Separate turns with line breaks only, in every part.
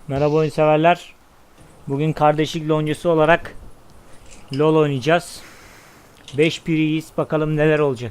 Merhaba oyun severler. Bugün kardeşlik loncası olarak LoL oynayacağız. 5 piriyiz. Bakalım neler olacak.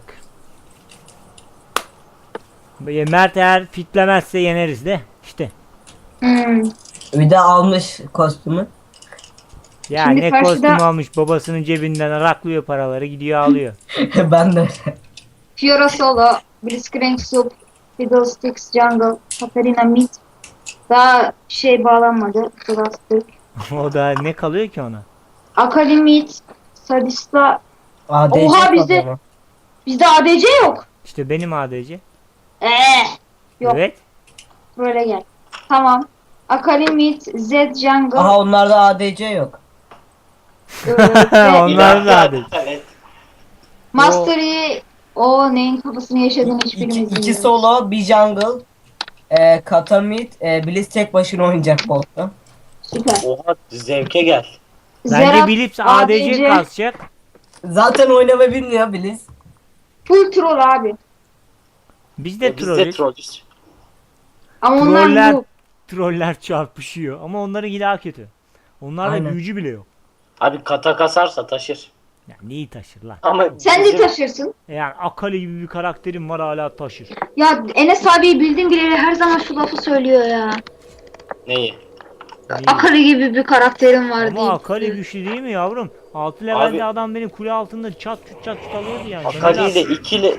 Mert eğer fitlemezse yeneriz de. İşte.
Hmm.
Bir de almış kostümü.
Ya
Şimdi
ne kostüm
karşıda
almış, babasının cebinden araklıyor paraları, gidiyor alıyor.
Ben de.
Fiora Solo, Blitzcrank Sup, Fiddlesticks Jungle, Katarina Mid. Daha şey bağlanmadı. Drastic.
O da ne kalıyor ki ona?
Akali Mid, Sadista.
ADC
Oha
kaldı ama.
bizde ADC yok.
İşte benim ADC.
Yok.
Evet.
Böyle gel. Tamam. Akali Mid, Zed Jungle.
Aha onlarda ADC yok.
Ve
Onlar da ADC.
Evet.
Mastery. O neyin kafasını yaşadığını hiçbirimiz
İki
bilmiyoruz.
solo, bir jungle. Katamid, Blitz tek başına oynayacak botta.
Süper.
Oha zevke gel.
Bence
Zerat,
Bilips ADC kasacak.
Zaten oynama bilmiyor Blitz.
Full troll abi.
Biz de
Biz de
trollüz.
trollüz.
Ama onlar
Troller,
yok.
troller çarpışıyor ama onların daha kötü. Onlarda
Aynen.
büyücü bile yok.
Abi kata kasarsa taşır.
Ya neyi taşır lan?
Ama
Sen de
bizim-
taşırsın.
Yani Akali gibi bir karakterim var, hala taşır.
Ya Enes abiyi bildiğim bileli her zaman şu lafı söylüyor ya.
Neyi?
Neyi?
Akali gibi bir karakterim var diye.
Ama Akali güçlü değil mi yavrum? 6 levelde adam benim kule altında çat çut alıyordu yani.
Akali ile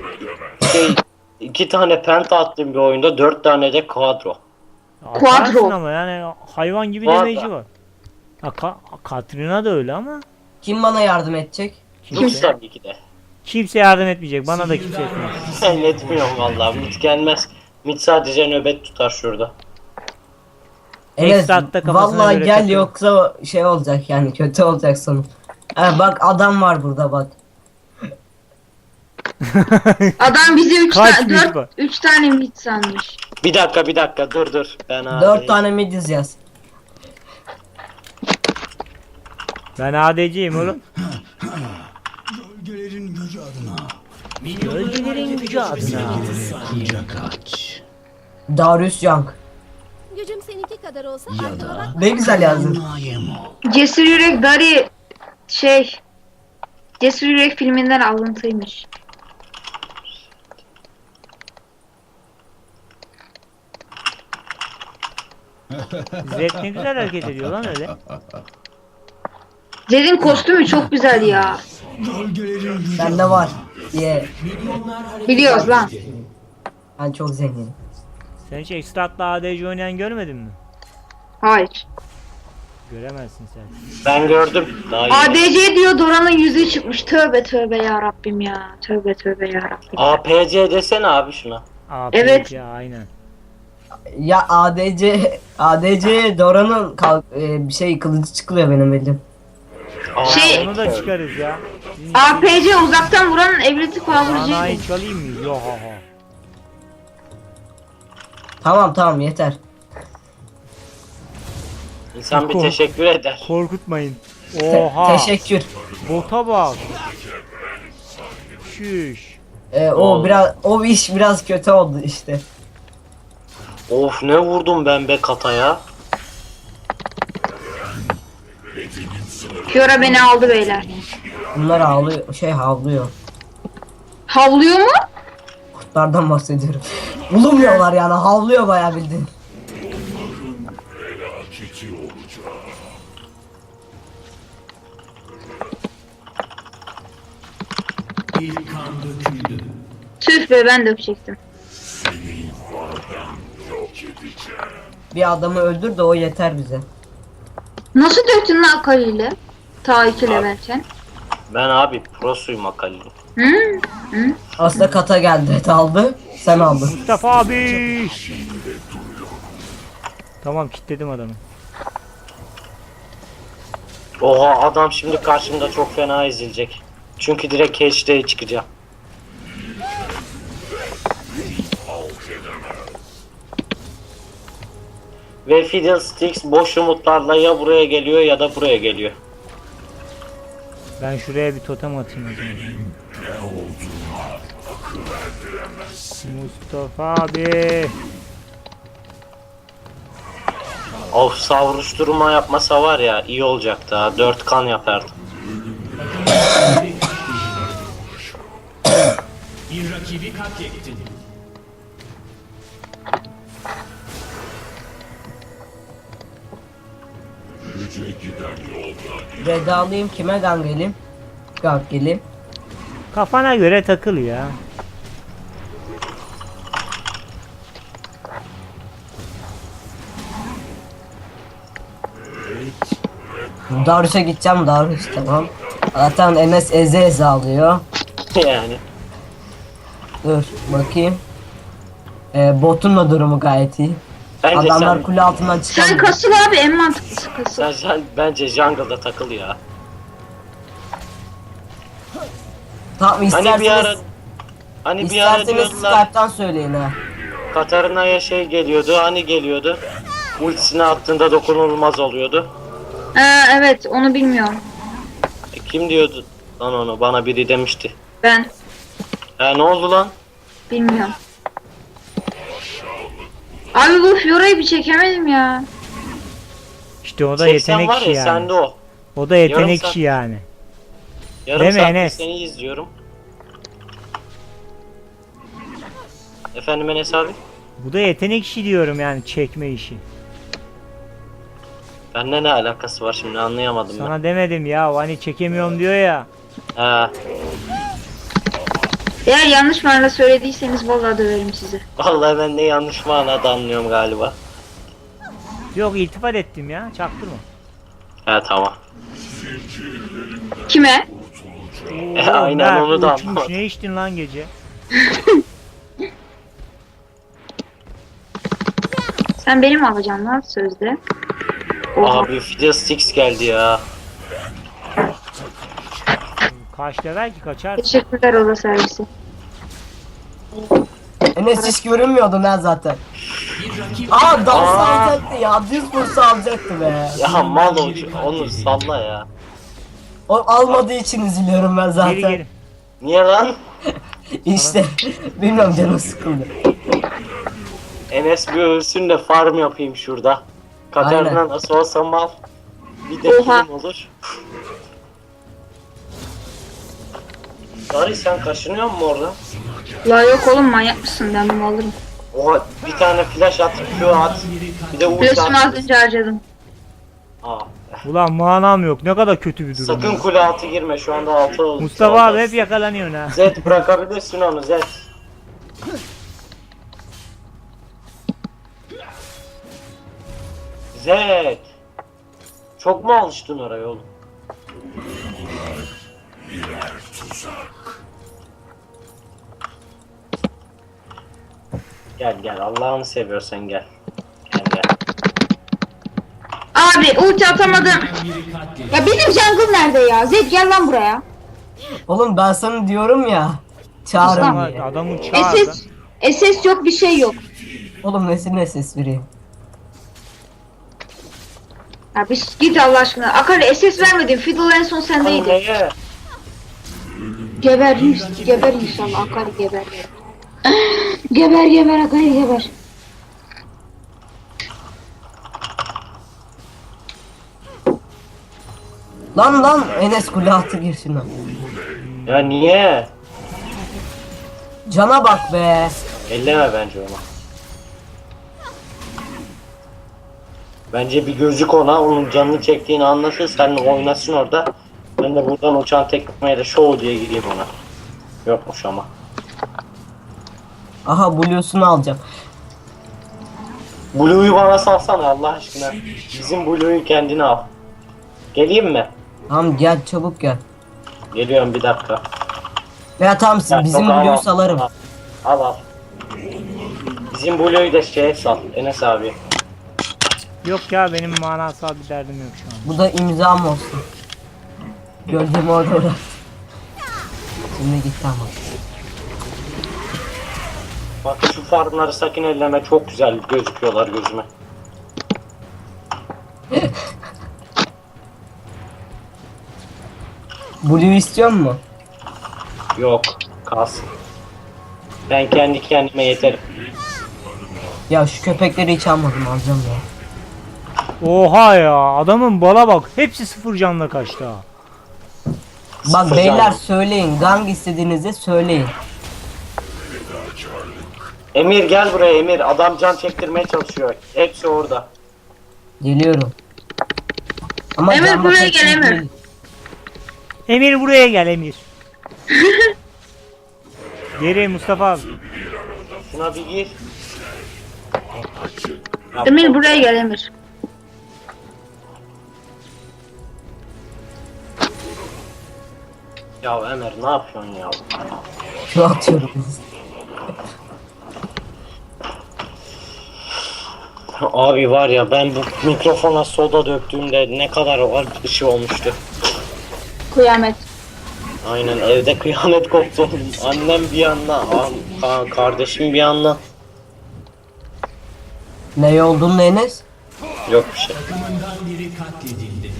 iki tane penta attığım bir oyunda 4 tane de quadro.
Atarsın
Quadro.
ama yani hayvan gibi
Quadro.
damage'i var. Ha, Katrina da öyle ama
Kim bana yardım edecek?
Lux tabii ki de.
kimse yardım etmeyecek. Bana da kimse etmez.
Ben etmiyorum vallahi. Mit gelmez. Mit sadece nöbet tutar şurada.
Evet.
Esat'ta kafasına
Vallahi
göre
gel
takılır.
yoksa şey olacak yani kötü olacak sonu. Bak adam var burada bak.
Adam bizi 3
Kaç
tane
mid var?
3 tane mid sanmış.
Bir dakika dur. Ben abi.
4 tane midiz yaz.
Ben ADC'yim oğlum.
Gölgelerin gücü adına.
Gölgelerin gücü adına.
Kucak aç.
Darius Young.
Gücüm seninki kadar olsa
Ya
arkama
da
Ne güzel yazdın.
Nayemo.
Cesur Yürek Dari Cesur Yürek filminden alıntıymış.
Zed ne güzel hareket ediyor lan öyle.
Zed'in kostümü çok güzel ya.
Gölgelerin gücü
Bende var. Diye.
Biliyoruz lan.
Ben çok zenginim.
Sen hiç Extrat'la ADC oynayan görmedin mi?
Hayır.
Göremezsin sen.
Ben gördüm. Daha iyi.
ADC diyor Dora'nın yüzüğü çıkmış. Tövbe tövbe ya Rabbim ya. Tövbe tövbe ya Rabbim.
APC desene abi şuna.
APC
Evet.
aynen.
Ya ADC Dora'nın bir şey kılıcı çıkıyor benim bildiğim.
Şey-
Onu da çıkarız ya.
APC uzaktan vuran evlilik
Anayı
power'cıydı.
çalayım mı? Yo ha ha.
Tamam yeter.
İnsan bir teşekkür eder.
Korkutmayın. Oha.
Teşekkür.
Bota bak. Şüş.
O iş biraz kötü oldu işte.
Of ne vurdum ben be kataya.
Fiora beni aldı beyler.
Bunlar havlıyor.
Havlıyor mu?
Kurtlardan bahsediyorum. Bulunmuyorlar yani havlıyor bayağı bildiğin.
ilk kan döküldü.
Tüh be ben dökecektim.
Bir adamı öldür de o yeter bize.
Nasıl döktün lan Akali'yle? Ta 2 levelken.
Ben abi prosuyum Akali'nin.
Hı?
Aslında kata geldi aldı. Sen aldın.
Mustafa abi. Tamam kilitledim adamı.
Oha adam şimdi karşımda çok fena ezilecek. Çünkü direkt HD'ye çıkacağım. Ve Fiddlesticks boş umutlarla ya buraya geliyor ya da buraya geliyor.
Ben şuraya bir totem atayım o zaman. Mustafa abi.
Of, savuruşturma yapmasa var ya iyi olacaktı ha. 4 kan yapardı.
Bir rakibi katlettin.
Red'i alayım, kime gank geleyim? Gank geleyim.
Kafana göre takıl ya.
Darius'a gideceğim, Darius tamam. Zaten Enes eze eze alıyor.
Yani.
Dur bakayım. Botun da durumu gayet iyi.
Bence
Adamlar kule altından
Sen
çıkamıyor.
kasıl abi, en mantıklısı kasıl.
sen bence jungle'da takıl ya.
Tamam
Hani
isterseniz,
bir ara
isterseniz
diyordular
Skype'tan söyleyin ha.
Katarina'ya şey geliyordu, hani geliyordu. Ultisini attığında dokunulmaz oluyordu.
Evet, onu bilmiyorum.
Kim diyordu lan onu? Bana biri demişti.
Ben
Ne oldu lan?
bilmiyorum. Abi bu Fiora'yı bir çekemedim ya.
İşte o da
80
yetenek
var
işi
ya
yani.
sende o.
O da yetenek
Yarım saat-
işi yani.
Yarım
Değil mi
saattir
Enes?
seni izliyorum. Efendim Enes abi?
Bu da yetenek işi diyorum yani, çekme işi.
Bende ne alakası var şimdi anlayamadım ben.
Sana demedim ya, hani çekemiyorum diyor ya.
Ha,
Eğer yanlış manada söylediyseniz vallahi döverim sizi.
vallahi ben de yanlış manada anlıyorum galiba.
Yok, iltifat ettim ya, çaktırma.
Tamam.
Kime?
Oo,
Aynen,
Mert
onu da
uçmuş,
anlamadım.
ne içtin lan gece?
Sen benim alacaksın lan sözde. Oha.
Abi Fiddlesticks geldi ya.
Kaç level ki, kaçar?
Teşekkürler oda servisi.
Enes hiç görünmüyordun ha zaten.
Bir rakip
Dans alacaktı ya, düz vursa alacaktı be.
Ya mal onu salla ya.
O almadığı için üzülüyorum ben zaten.
Geri geri.
Niye lan?
İşte bilmiyorum, canım sıkıldı.
Enes bir ölsün de farm yapayım şurada. Katarina
Aynen.
nasıl olsa mal. Bir de
Oha.
film olur. Dari sen kaşınıyor musun orada?
La yok oğlum, manyak mısın, ben bunu alırım.
Oha, bir tane flash at, Q at. Bir de ulti
Flash'ımı az
at.
önce harcadım.
Aa,
Ulan manam yok, ne kadar kötü bir durum.
sakın
ya.
kule altı girme, şu anda altı oldu.
Mustafa abi hep yakalanıyorsun ha.
Zed bırakabilirsin onu Zed. Zed. Çok mu alıştın oraya oğlum? Gel Allah'ını seviyorsan gel. Gel.
Abi ulti atamadım.
biri katledildi.
Ya benim jungle nerede ya? Zed gel lan buraya.
Oğlum ben sana diyorum ya. Çağırın
Ama
diye.
adamın çağırdı.
SS yok, bir şey yok.
Oğlum nesine ses vereyim.
Ya bir git Allah aşkına. Akali SS vermedin. Fiddle en son sendeydi.
Neye?
Geber geber inşallah Akali geber. Geber Akali geber.
Lan Enes kule altı gir şuna.
Ya niye?
Cana bak be.
Elleme bence ona. Bence bir gözük ona, onun canını çektiğini anlasın, seninle oynasın orada. Ben de buradan uçan tekmeyle show diye gideyim ona. Yokmuş ama.
Aha Blue'sunu alacağım.
Blue'yu bana salsana Allah aşkına. Bizim Blue'yu kendine al. Geleyim mi?
Tamam gel, çabuk gel.
Geliyorum bir dakika.
Ya tamam,
Ya,
bizim
yok, al,
Blue'yu
al.
salarım.
Al. Bizim Blue'yu da şeye sal, Enes abi.
Yok ya, benim manasal bir derdim yok şu an.
Bu da imzam olsun. Gölgemi orada bırak. Şimdi git tamam.
Bak şu farmları sakın elleme, çok güzel gözüküyorlar gözüme.
Blue istiyor mu?
Yok, kalsın. Ben kendi kendime yeterim.
Ya şu köpekleri hiç almadım, alacağım ya.
Oha ya, adamın bala bak. Hepsi 0 canla kaçtı ha.
Bak
Sıfır
beyler
canlı.
söyleyin. Gang istediğinizde söyleyin.
Emir gel buraya Emir. Adam can çektirmeye çalışıyor. Hepsi orada.
Geliyorum. Ama
Emir,
can
buraya
bakmak
gel, Emir.
değil.
Emir buraya gel Emir. Geri Mustafa abi.
Şuna bir gir.
Emir buraya gel Emir.
Ya Emir ne yapıyorsun ya?
Şu atıyorum.
Abi var ya ben bu mikrofona soda döktüğümde ne kadar bir şey olmuştu.
Kıyamet.
Aynen evde kıyamet koptu. Annem bir yandan, kardeşim bir yandan.
Ne olduğunu Enes?
Yok bir şey.
Takımından biri katledildi.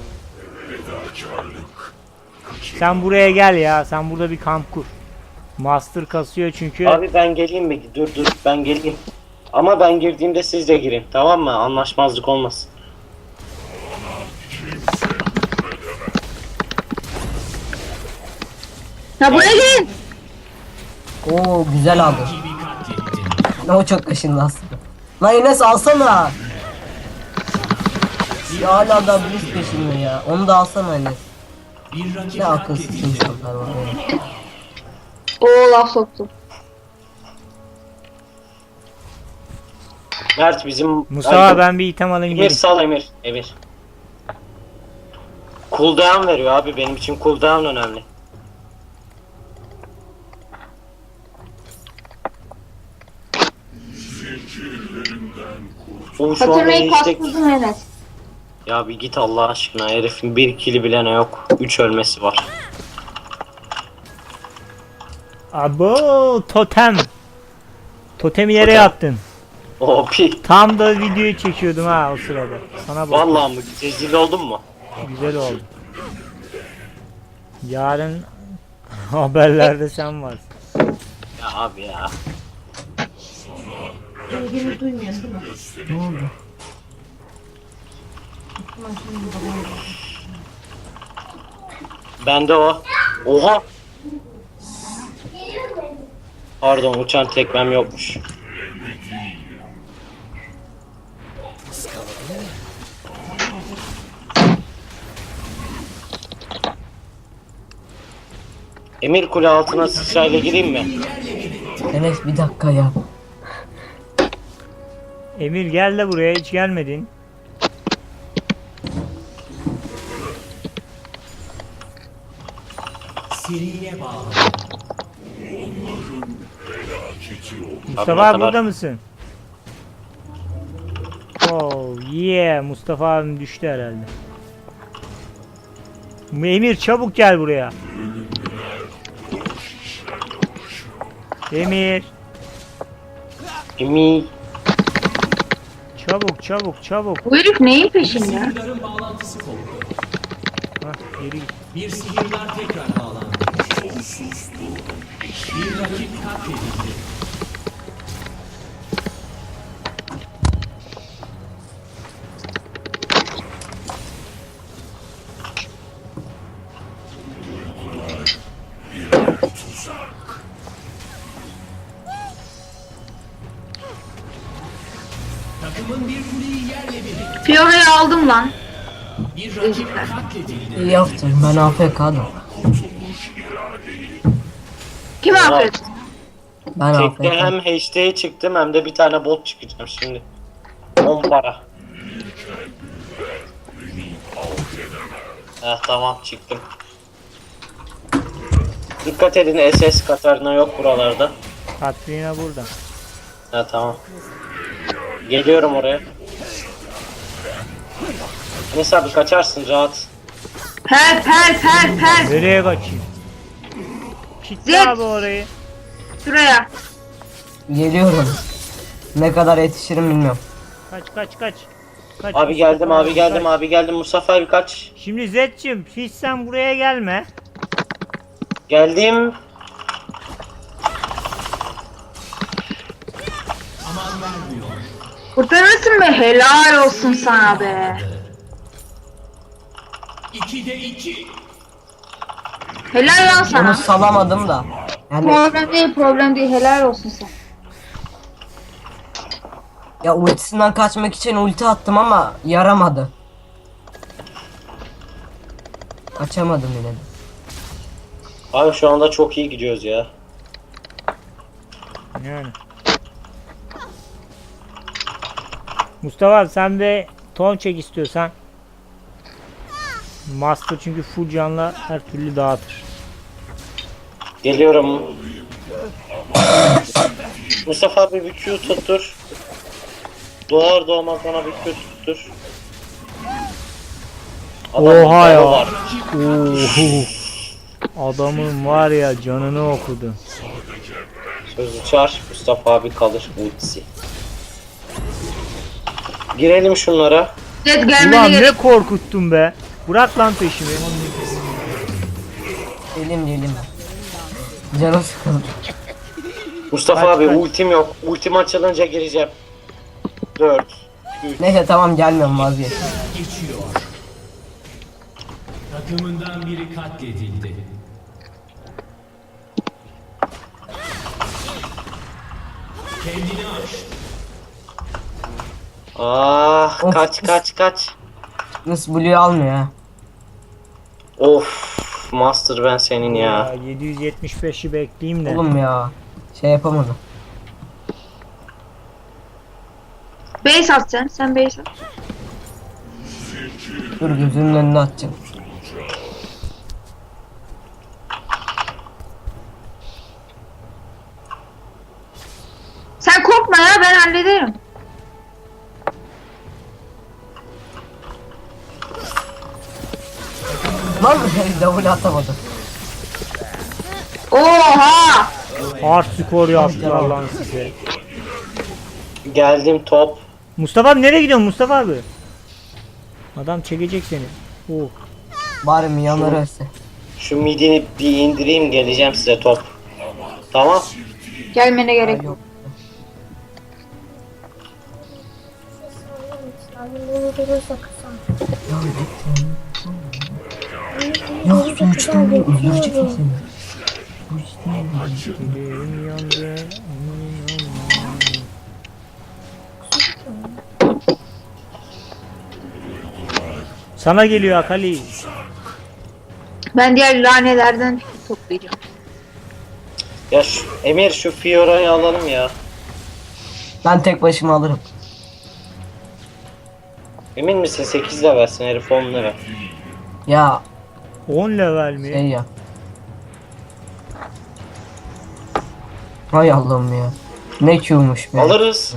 Sen buraya gel ya. Sen burada bir kamp kur. Master kasıyor çünkü.
Abi ben geleyim mi? Dur ben geleyim. Ama ben girdiğimde siz de girin. Tamam mı? Anlaşmazlık olmasın.
Ya buraya gelin.
Oo güzel aldı.
Rakibi katlettin.
O çok kaşındı aslında. Lan Enes alsana. Ya hala da blitz peşinde ya. Onu da alsana Enes.
Bir rakip
Ne akılsız
katledildi.
insanlar var ya.
Oo, laf soktum.
Mert bizim...
Mustafa
Ay,
ben bir item alayım
Emir
geleyim.
sal Emir. Emir. Cooldown veriyor abi. Benim için cooldown önemli. O şu anda
Hatırlayı
istek...
kastırdım Enes.
Ya bir git Allah aşkına. Herifin bir kili bile ne yok. 3 ölmesi var.
Abo totem. Totemi nereye
Totem.
attın?
O pi.
Tam da videoyu çekiyordum ha o sırada. Sana bak.
Vallahi mı? Rezil oldun mu?
Güzel oldu. Yarın haberlerde sen varsın.
Ya abi ya.
Ne oldu?
Bende o. Oha. Pardon uçan tekmem yokmuş. Emir kule altına sıçrayla gireyim mi?
Enes bir dakika ya.
Emir gel de buraya hiç gelmedin.
Seriye bağlı.
Mustafa
ne
abi
kadar-
burada mısın? Oh yeah, Mustafa abim düştü herhalde. Emir çabuk gel buraya. Emir
Emir.
çabuk çabuk çabuk.
Bu herif neyin peşinde?
Sihirlerin bağlantısı koptu.
Hah, geri git.
Bir sihirdar tekrar bağlandı. Bir rakip katledildi. Takımın bir kuleyi yerle bir etti.
Fiora'yı aldım lan.
Bir rakip katledildi.
İyi yaptın. Ben AFK'dım.
Kim affet?
Ben
Tekte
AFK.
hem HD'ye çıktım hem de bir tane bot çıkacağım şimdi. 10 para. Tamam çıktım. Dikkat edin SS Katarina yok buralarda.
Katrina burada.
Tamam. Geliyorum oraya. Neyse abi kaçarsın rahat.
Per.
Nereye kaçayım? Kitle
Zed.
abi orayı.
Şuraya.
Geliyorum. Ne kadar yetişirim bilmiyorum.
Kaç kaç kaç. Kaç
Abi geldim
Mustafa
abi geldim
kaç.
abi geldim Mustafa abi kaç.
Şimdi Zed'cim hiç sen buraya gelme.
Geldim.
Aman vermiyor.
Kurtarırsın be, helal olsun sana be.
2'de 2.
Helal lan
Onu
sana.
salamadım da. Yani
Problem değil, helal olsun sana.
ya ultisinden kaçmak için ulti attım ama yaramadı. Kaçamadım yine de.
Abi şu anda çok iyi gidiyoruz ya.
Yani. Mustafa abi sen de ton çek istiyorsan. Master çünkü full canla her türlü dağıtır.
Geliyorum. Mustafa abi bir Q tuttur. Doğar doğmaz bana bir Q tuttur.
Oha ya.
var.
Oho. Adamın var ya canını okudu.
Sözü çağır. Mustafa abi kalır ultisi. Girelim şunlara.
Red gelmene
Ulan
gerek.
ne korkuttun be. Bırak lan peşimi.
Gelim. Canım sıkıldı.
Mustafa
Kaç,
abi
kaç.
ultim yok. Ultim açılınca gireceğim. 4 3
Neyse tamam gelmiyorum vazgeç.
Geçiyor. Takımından biri katledildi. Kendini aş.
Ah
Of.
kaç.
Nasıl Blue'yu almıyor ha.
Of Master ben senin
Ya
ya.
775'i bekleyeyim de.
Oğlum ya. Şey yapamadım.
Base at sen. Sen base at.
Dur gözümün önüne atacağım.
Sen korkma ya, ben hallederim.
Lan double atamadım.
Oha!
Hard skor yaptılar lan size.
Geldim top.
Mustafa abi nereye gidiyorsun Mustafa abi? Adam çekecek seni. Oh.
Bari milyonları ölse.
Şu midini bir indireyim geleceğim size top. Tamam.
Gelmene gerek yok.
Ya su içtim öldürecek mi seni?
Dilim yandı. Sana geliyor Akali.
Ben diğer lanelerden toplayacağım.
Ya Emir şu Fiora'yı alalım ya.
Ben tek başıma alırım.
Emin misin 8 de versin herif 10 lira.
Ya
10 level mi?
şey ya. Hay Allah'ım ya. Ne Q'muş be.
Alırız.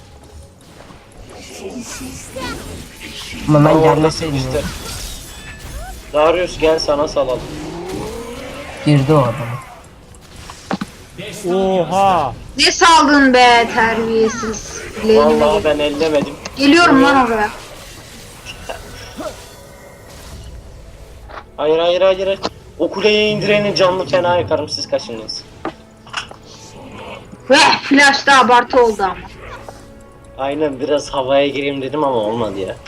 Ama ben
Ama
gelmeseydim
işte.
ya.
Darius gel sana salalım.
Girdi o adam.
Oha.
Ne saldın be terbiyesiz. Lane'ime
Vallahi
gel.
ben ellemedim.
Geliyorum lan oraya.
Hayır. O kuleye indirenin canlı fena yakarım siz kaçınız.
Ve flash da abartı oldu ama.
Aynen biraz havaya gireyim dedim ama olmadı ya.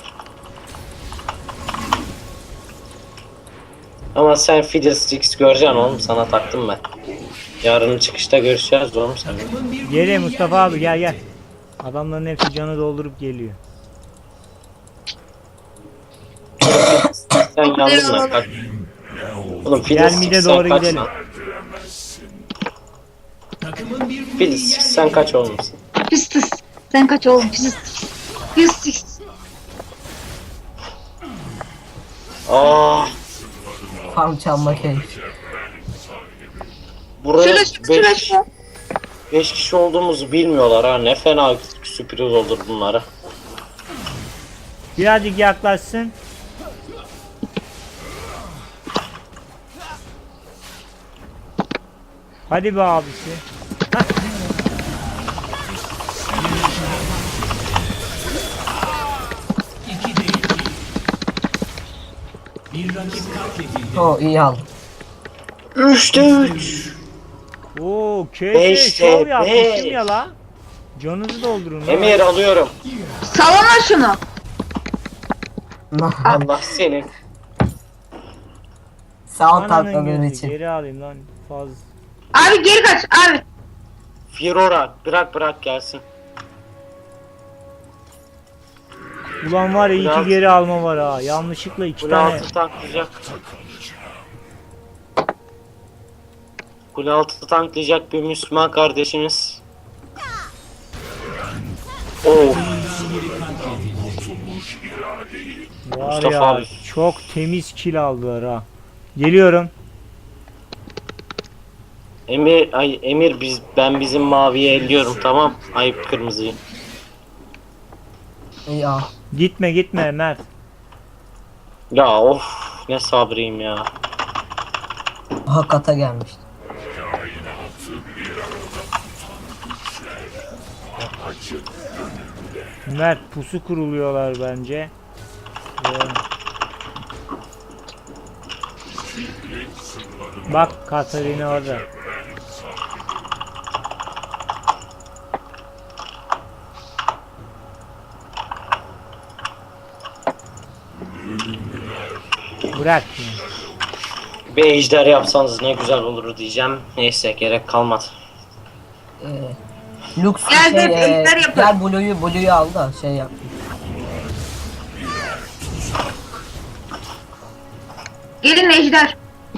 Ama sen Fiddlesticks göreceksin oğlum sana taktım ben. Yarın çıkışta görüşeceğiz oğlum sen.
Gel Mustafa abi gel. Adamların hepsi canı doldurup geliyor.
Sen yandın lan kaç. Oğlum
Gel
Fiddlesticks
mide
sen
doğru
kaç
gidelim.
lan.
Takımın bir kuleyi
Fiddlesticks sen kaç olmuşsun.
Pistis. Sen kaç oğlum, pistis. Pistis.
Ah
Farm çalma keyif.
buraya
Flash.
5 kişi olduğumuzu bilmiyorlar ha ne fena sürpriz olur bunlara.
Birazcık yaklaşsın. Hadi be abisi.
İkide iki. Bir rakip katledildi.
O iyi aldı.
3'te 3.
Oo, KS
Beşte
şov yapmışım
beş.
ya la. Canınızı doldurun lan.
Emir alıyorum.
Salona şunu.
Allah senin.
Sağ ol
Ananın
tatlılığın
gözü,
için.
geri alayım lan. Fazla.
Abi geri kaç abi.
Fiora bırak gelsin.
Ulan var ya
Kule
iki
altı-
geri alma var ha. Yanlışlıkla iki
Kule
tane.
altı tanklayacak. Kule altı tanklayacak bir Müslüman kardeşimiz. Oh.
Var
Mustafa
ya
abi.
çok temiz kill aldılar ha. Geliyorum.
Emir ben bizim maviyi elliyorum, tamam. Ayıp kırmızıyı.
Ya.
Gitme Mert.
Ya of, ne sabrıyım ya.
Aha kata gelmişti.
Mert pusu kuruluyorlar bence. Bak Katarina orada. Bırak.
Bir ejder yapsanız ne güzel olur diyeceğim. Neyse, gerek kalmadı.
Lux
Gel de
şey,
ejder yapalım.
gel Blue'yu al da şey yap.
Gelin ejder.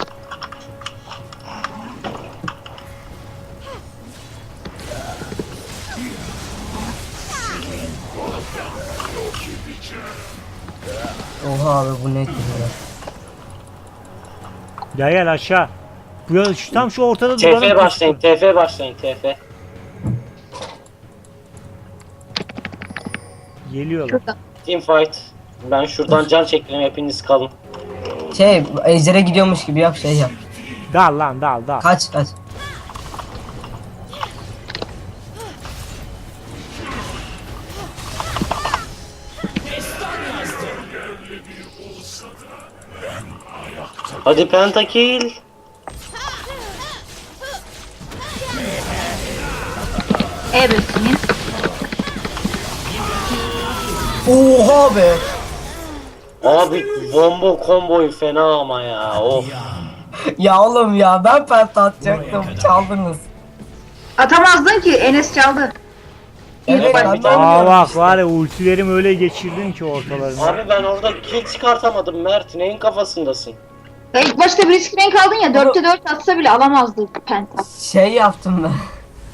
Oha abi bu ne ki ya?
Gel aşağı. Tam şu ortada duralım.
TF başlayın, TF başlayın, TF.
Geliyorlar.
Şurada.
Team fight. Ben şuradan can çekeyim, hepiniz kalın.
Şey ejdere gidiyormuş gibi yap şey yap.
Dal lan dal.
Kaç.
Hadi pentakill.
Evet senin.
Oha be.
Abi bombo komboyu fena ama ya. Of.
Ya oğlum ya ben penta atacaktım çaldınız.
Atamazdın ki Enes çaldı.
Evet
ben
ben
bir
de
tane-
Aa
oynuyorum.
bak var ya ultilerimi öyle geçirdin ki ortalarına.
Abi ben orada kill çıkartamadım Mert. Neyin kafasındasın?
Ya ilk başta bir risk renk aldın ya 4'te 4 atsa bile alamazdı penta.
Şey yaptım ben.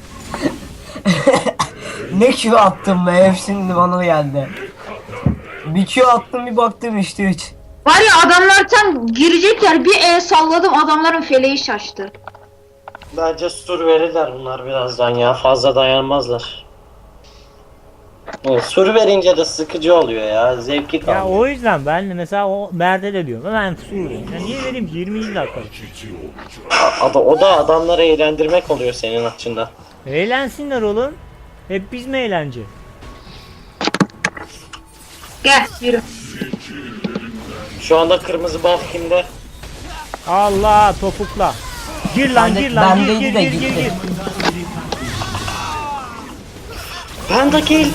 Ne Q attım be hep şimdi bana geldi. Bir Q attım bir baktım işte 3.
Var ya adamlar tam girecekler bir salladım adamların feleği şaştı.
Bence sur verirler bunlar birazdan ya. Fazla dayanmazlar. Evet, sur verince de sıkıcı oluyor ya. Zevki
Ya
kalmıyor.
o yüzden ben de mesela o Mert'e de diyorum. Ben Suriye'yim. Ya niye vereyim ki 20 dakika.
O da adamları eğlendirmek oluyor senin açından.
Eğlensinler oğlum. Hep biz mi eğleneceğiz?
Gel yürü.
Şu anda kırmızı buff kimde?
Allah topukla. Gir lan
Bende-
gir lan gir
bendeydi
gir
de
gir gir
gitti.
gir.
Pentakill.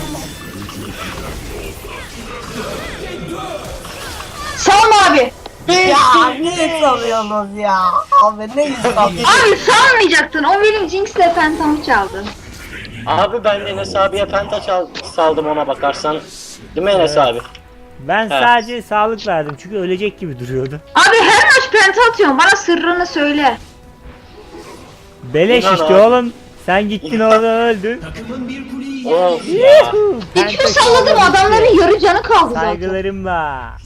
Salma abi.
Ya ne sanıyorsunuz ya? Abi ne insan?
Abi salmayacaktın. O benim Jinx'le pentamı çaldı.
Abi ben Enes abiye penta saldım ona bakarsan. Değil mi Enes abi?
Ben sadece sağlık verdim çünkü ölecek gibi duruyordu.
Abi her maç penta atıyorsun. Bana sırrını söyle.
Beleş
İnan
işte
abi.
oğlum. Sen gittin orada öldün.
Takımın bir kuleyi
Of ya.
Bir Q salladım adamların yarı canı kaldı zaten.
Saygılarım var.